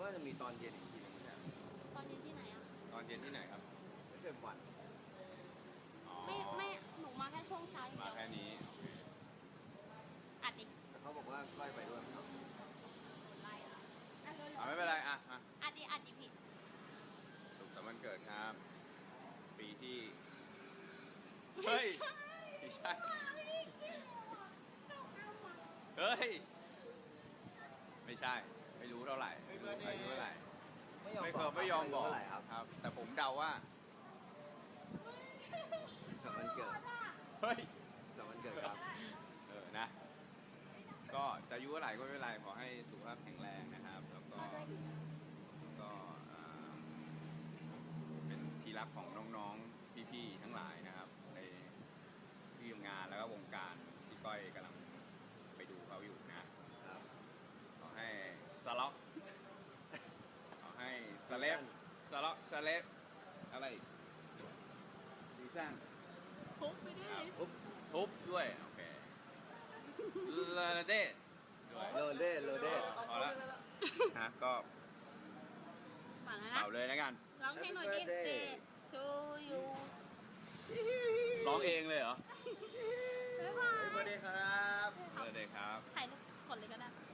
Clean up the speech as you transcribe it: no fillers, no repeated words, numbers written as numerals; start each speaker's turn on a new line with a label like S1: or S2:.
S1: ว่าจะมีตอนเย็นอีกทีนึงไม่ใช่
S2: ตอนเย็นที่ไหนอ่ะ
S3: ตอนเย็นที่ไหนครับ
S1: ไม่ใช่วัน
S2: ไม่หนูมาแค่ช่วงเช้าอย่างเดียว
S3: มาแค่นี้
S2: อัดดิ
S1: แต่เขาบอกว่าก้อยไปด้วยเนาะ
S2: ไล่ละ
S3: ไม่เป็นไร
S2: อัดดิผิด
S3: สุขสันต์วันเกิดครับปีที่เฮ้ยไม่ใช่เฮ้ยไม่ใช่ไม่รู้เท่าไหร่ไม่รู้อายุเท่าไหร่ไม่ยอมบอกครับแต่ผมเดาว่า
S1: สำวันเกิด
S3: เฮ้ย
S1: สำวันเกิดครับ
S3: นะก็จะอายุเท่าไหร่ก็ไม่เป็นไรขอให้สุขภาพแข็งแรงนะครับแล้วก็เป็นที่รักของน้องๆพี่ๆทั้งหลายนะครับในที่ทำงานแล้วก็วงการที่ก้อยกำลังไปดูเขาอยู่นะครับขอให้สล็อกขอให้สเลฟสล็อกสเลฟอะไรดีสั้น
S2: ทุบไปดิ
S3: ทุบด้วยโอเคโรเด้ด้วย
S1: โรเด้
S3: พอแล้วฮะก็เป่าเลยนะกัน
S2: ร้องเพลงหน่อยดิเดทูยู
S3: ร้องเองเลยเหรอ
S2: บ๊ายบาย
S1: สวัสดีครับ
S3: สวัสดีครับ
S2: ถ่ายรูปกดเลยก็ได้